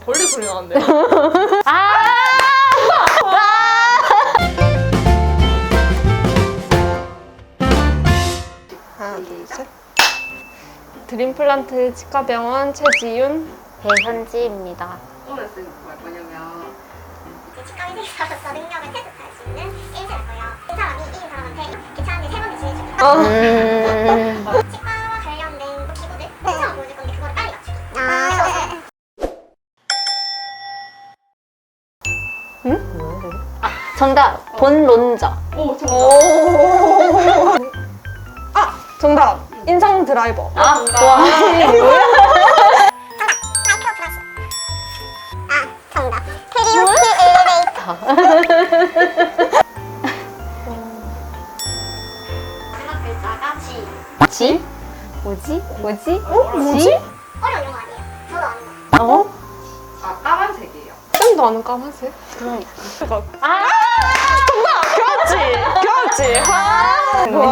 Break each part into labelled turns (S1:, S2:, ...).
S1: 벌레 소리 나는데요? 하나, 둘, 셋. 드림플란트 치과병원 최지윤,
S2: 배현지입니다.
S3: 오늘 쓸 거냐면
S4: 치과 의사로서 능력을 테스트할 수 있는 게임이고요. 이 사람이 이긴 사람한테 괜찮은데 3번을 주의해주고 치과와 관련된 기구들 추천을 보여줄 건데 그거를 빨리 맞추기.
S2: 정답, 본론자.
S3: 오 정답.
S1: 정답! 인상 드라이버.
S2: 와.
S4: 마이크로 브러쉬. 정답. 트리오키 엘리베이터. 마지막 글자가 G.
S2: 지? 뭐지? 뭐지?
S1: 뭐지?
S4: 어려운 용어 아니에요. 저도 아는 거.
S2: 어?
S3: 아 까만색이에요.
S1: 쌤도 아는 까만색?
S2: 그러니까.
S1: 정답! 겨웠지! 겨웠지! 와.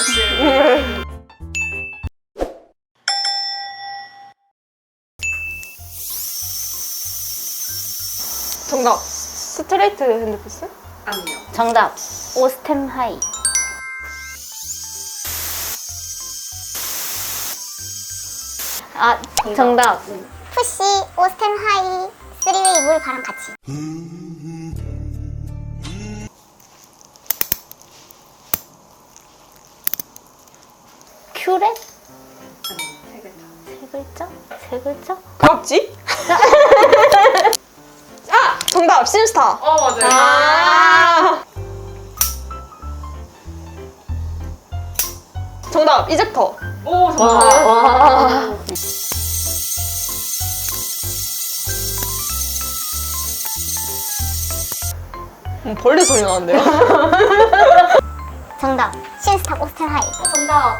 S1: 정답! 스트레이트 핸드피스?
S3: 아니요.
S2: 정답, 오스템 하이. 정답.
S4: 푸시, 오스템 하이, 3웨이 물, 바람 같이.
S2: 큐렛?
S3: 세 글자.
S2: 세 글자?
S1: 겨웠지? 정답! 신스타!
S3: 맞아요.
S1: 정답! 이젝터!
S3: 오 정답.
S2: 와.
S1: 벌레 소리 나는데요?
S4: 정답. 신스탑, 오스템 하이.
S3: 정답.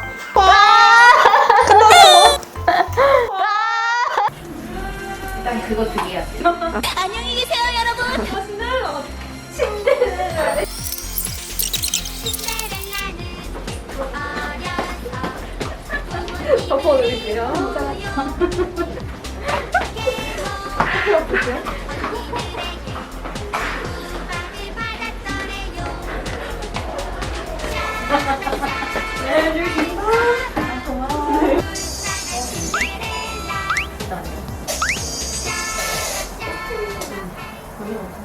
S3: 일단 그거 드려야 돼요.
S4: 안녕히 계세요, 여러분.
S3: 덮어드릴게요.